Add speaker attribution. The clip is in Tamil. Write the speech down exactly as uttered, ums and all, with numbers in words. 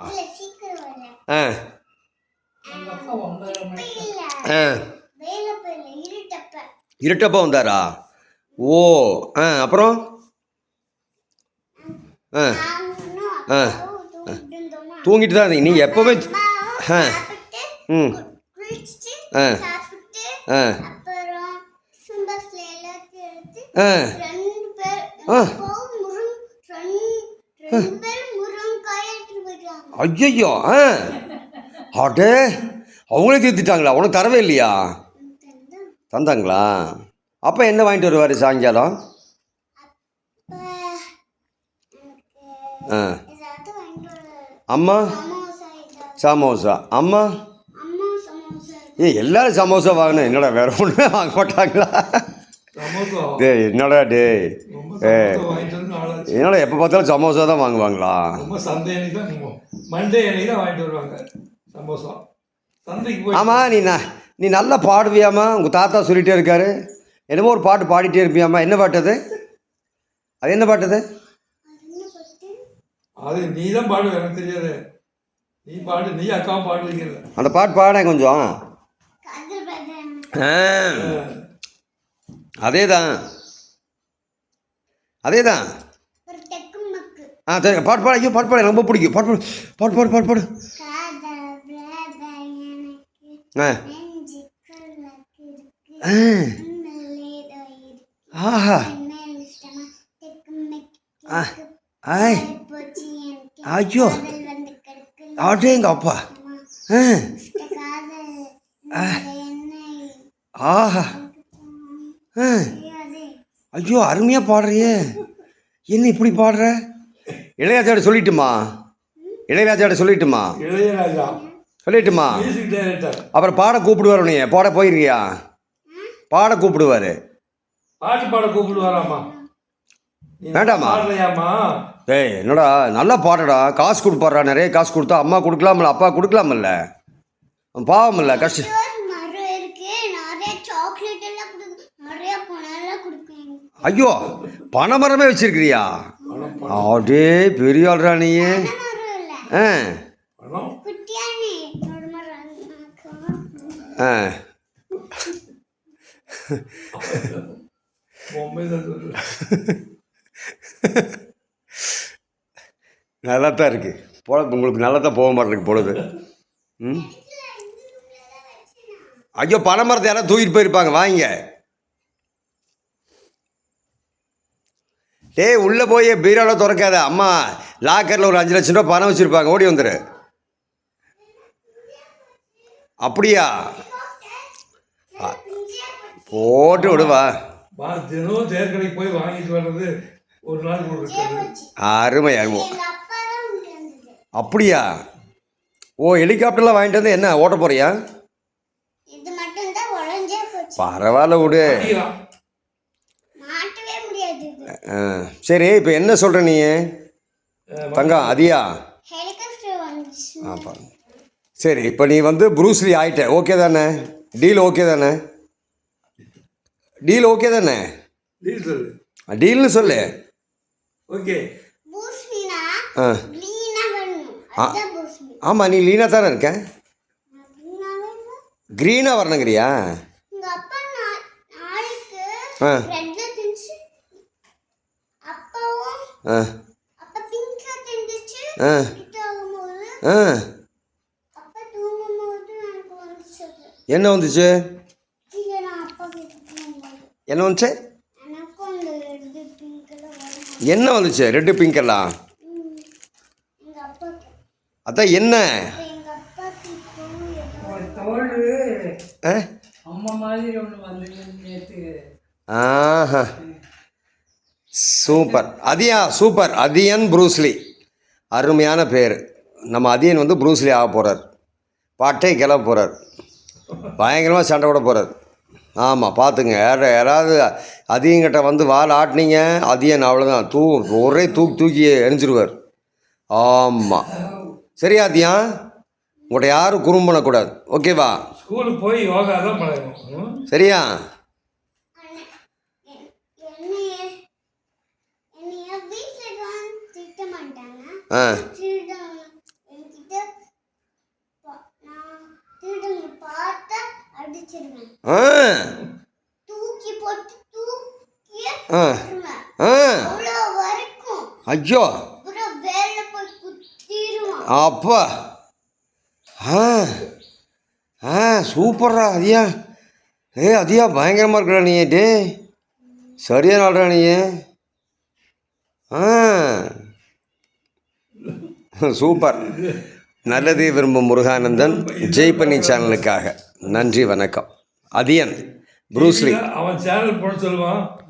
Speaker 1: ஆ ஆ இருட்டப்போ வந்தாரா? ஓ ஆ அப்புறம் ஆ ஆ தூங்கிட்டு தான் இருந்தீங்க நீங்கள் எப்போவே? ஆ ம் ஆ ஆ ஆ ஆ ஐயோ ஆ அடே அவங்களே தீர்த்துட்டாங்களா? உனக்கு தரவே இல்லையா? தந்தாங்களா? அப்போ என்ன வாங்கிட்டு வருவார் சாயங்காலம்? ஆ அம்மா சமோசா. அம்மா ஏ எல்லாரும் சமோசா வாங்கினேன். என்னடா வேற ஒன்றுமே வாங்க மாட்டாங்களா? டே என்னடா டே ஏ என்னடா எப்போ பார்த்தாலும் சமோசா தான் வாங்குவாங்களா? ஆமாம் நீ நீ நல்லா பாடுவியாமா? உங்கள் தாத்தா சொல்லிகிட்டே இருக்காரு. என்னமோ ஒரு பாட்டு பாடிட்டே இருப்பியாம்மா. என்ன பாட்டு அது? அது என்ன பாட்டு அது?
Speaker 2: அது நீ தான் பாடு, எனக்கு தெரியாது. நீ பாடு, நீ அக்கா பாடுவீங்க.
Speaker 1: அந்த பாட்டு பாட கொஞ்சம். அதே தான் அதே தான் ஆ சரி பாட்டு பாடு. ஐயோ பாட்டு பாடு, ரொம்ப பிடிக்கும். பாட்டு பாடு பாட்டு பாடு பாட்டு பாடு. ஆ ஆஹா ஆய் ஐயோ ஆட்டேங்க அப்பா. ஆஹா ஐயோ அருமையாக பாடுறியே. என்ன இப்படி பாடுற? இளையராஜாட்ட சொல்லிட்டுமா? இளையராஜாட்ட சொல்லிட்டுமா?
Speaker 2: இளையராஜா
Speaker 1: சொல்லிட்டுமா? அப்புறம் பாட கூப்பிடுவார். நீ பாட போயிருக்கியா? பாட கூப்பிடுவார்.
Speaker 2: பாட்டு பாட கூப்பிடுவாராமா?
Speaker 1: வேண்டாமா? ஏய் என்னடா நல்லா பாடுறா. காசு கொடுப்பாடுறா. நிறைய காசு கொடுத்தா அம்மா கொடுக்கலாமில்ல, அப்பா கொடுக்கலாமில்ல. பாவம் இல்லை கஷ்டம். ஐயோ பனைமரமே வச்சிருக்கிறியா? அப்படியே பெரிய ஆள்றா நீ. ஆ ஆ நல்லா தான் இருக்கு போல. உங்களுக்கு நல்லா தான் போக மாட்டேருக்கு பொழுது. ம் ஐயோ பனைமரத்தை யாராவது தூக்கிட்டு போயிருப்பாங்க. வாங்க. டேய் உள்ளே போய் பீரோவில் திறக்காத. அம்மா லாக்கரில் ஒரு அஞ்சு லட்சம் ரூபா பணம் வச்சுருப்பாங்க. ஓடி வந்துடு. அப்படியா? போட்டு விடுவா.
Speaker 2: தினம் தேர்கடைக்கு போய் வாங்கிட்டு வர்றது ஒரு நாள்.
Speaker 1: அருமை அருமை. அப்படியா? ஓ ஹெலிகாப்டர்லாம் வாங்கிட்டு வந்து என்ன ஓட்ட போறியா? பரவாயில்ல விடு. சரி இப்போ என்ன சொல்கிற நீ தங்கம்? அதியா ஆப்பா சரி. இப்போ நீ வந்து ப்ரூஸ்லி ஆகிட்ட. ஓகே தானே? டீல் ஓகே தானே? டீல் ஓகே தானே? டீல்னு சொல்லு.
Speaker 2: ஓகே.
Speaker 1: ஆ ஆமாம் நீ லீனாக தானே இருக்க. க்ரீனாக வரணுங்கிறியா? ஆ ஆ ஆ ஆ என்ன வந்துச்சு? என்ன வந்துச்சு? என்ன வந்துச்சு? ரெட்டு பிங்க் எல்லாம் அதான் என்ன? ஆஹா super. Athiya super. Athiyan Bruce Lee அருமையான பேர். நம்ம அதியன் வந்து ப்ரூஸ்லி ஆக போகிறார். பாட்டே கிளம்ப போகிறார். பயங்கரமாக சண்டை விட போகிறார். ஆமாம் பார்த்துங்க. யார யாராவது அதிகங்கிட்ட வந்து வால் ஆட்டினீங்க அதியன் அவ்வளோதான். தூ ஒரே தூக்கி தூக்கி எரிஞ்சிருவார். ஆமாம் சரியா அதியம்? உங்கள்கிட்ட யாரும் குறும்பு பண்ணக்கூடாது. ஓகேவா?
Speaker 2: ஸ்கூலுக்கு போய் யோகா தான் பழகணும்.
Speaker 1: சரியா? ஆ
Speaker 3: வச்சிருவேன்.
Speaker 1: ஆ
Speaker 3: தூக்கி போட்டு தூக்கியே
Speaker 1: ஆ
Speaker 3: போட்டுருவேன்.
Speaker 1: ஆ
Speaker 3: அவ்வளோ வரைக்கும்
Speaker 1: ஐயோ
Speaker 3: அப்புறம் வேலை போய் குத்திடுவான்.
Speaker 1: அப்பா ஆ ஆ சூப்பர்ரா அதியா ஏ அதியா பயங்கரமாக இருக்கடா நீ டே சரியா நாடுறா நீ ஆ சூப்பர் நல்லது விரும்பும் முருகானந்தன் ஜெய் பண்ணி சேனலுக்காக நன்றி வணக்கம் அதியன் ப்ரூஸ்லி
Speaker 2: அவன் சேனல் போட சொல்லுவான்.